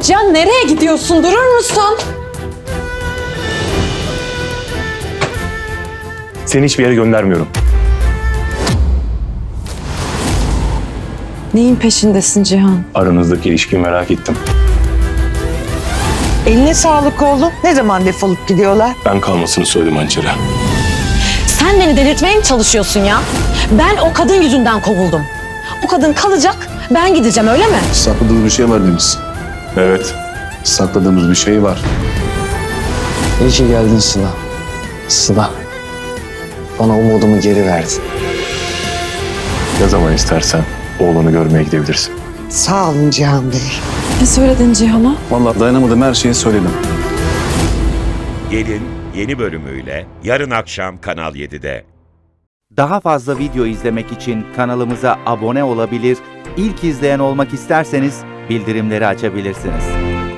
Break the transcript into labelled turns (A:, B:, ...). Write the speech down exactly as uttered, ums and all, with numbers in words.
A: Cihan nereye gidiyorsun? Durur musun?
B: Seni hiçbir yere göndermiyorum.
A: Neyin peşindesin Cihan?
B: Aranızdaki ilişkiyi merak ettim.
C: Eline sağlık oğlum. Ne zaman defolup gidiyorlar?
B: Ben kalmasını söyledim hançere.
A: Sen beni delirtmeye mi çalışıyorsun ya? Ben o kadın yüzünden kovuldum. O kadın kalacak, ben gideceğim öyle mi?
D: Sakladığımız bir şey var Deniz.
B: Evet.
D: Sakladığımız bir şey var.
E: İyi ki geldin Sıla. Sıla. Bana umudumu geri verdin.
B: Ne zaman istersen oğlunu görmeye gidebilirsin.
C: Sağ olun Cihan Bey.
A: Ne söyledin Cihan'a?
D: Vallahi dayanamadım, her şeyi söyledim.
F: Gelin yeni bölümüyle yarın akşam Kanal yedide.
G: Daha fazla video izlemek için kanalımıza abone olabilir, ilk izleyen olmak isterseniz bildirimleri açabilirsiniz.